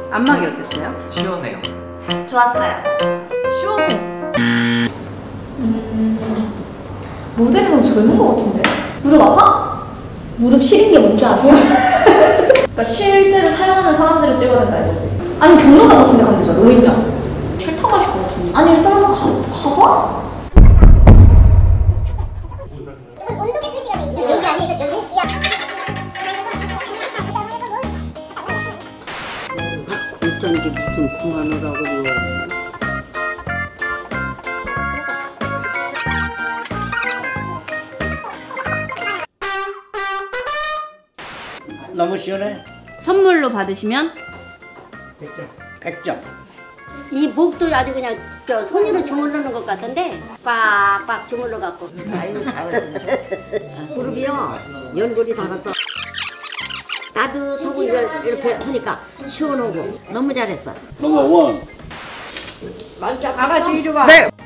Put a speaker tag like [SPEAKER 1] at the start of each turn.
[SPEAKER 1] 안마기 어땠어요?
[SPEAKER 2] 시원해요.
[SPEAKER 1] 좋았어요.
[SPEAKER 3] 시원해. 모델이 너무 젊은 것 같은데? 무릎 아파? 무릎 시린 게 뭔지 아세요? 그러니까 실제로 사용하는 사람들을 찍어야 된다 이거지. 아니 경로당 같은 데 가면 되잖아. 노인정. 싫다고 하실 것 같은데. 아니 일단 한번 가봐?
[SPEAKER 4] 저기 아니니까 저기 시야.
[SPEAKER 5] 어쩐지 무슨 그만하라고요. 너무 시원해.
[SPEAKER 6] 선물로 받으시면
[SPEAKER 5] 100점.
[SPEAKER 4] 이 목도 아주 그냥 손으로 주물르는 것 같은데 빡빡 주물러 갖고.
[SPEAKER 5] 아이고 잘했어.
[SPEAKER 4] 무릎이요 연골이 닳았어. 따뜻하고 이렇게 하니까 시원하고 너무 잘했어.
[SPEAKER 5] 넘버 원.
[SPEAKER 4] 아가씨 이리 와.
[SPEAKER 1] 네.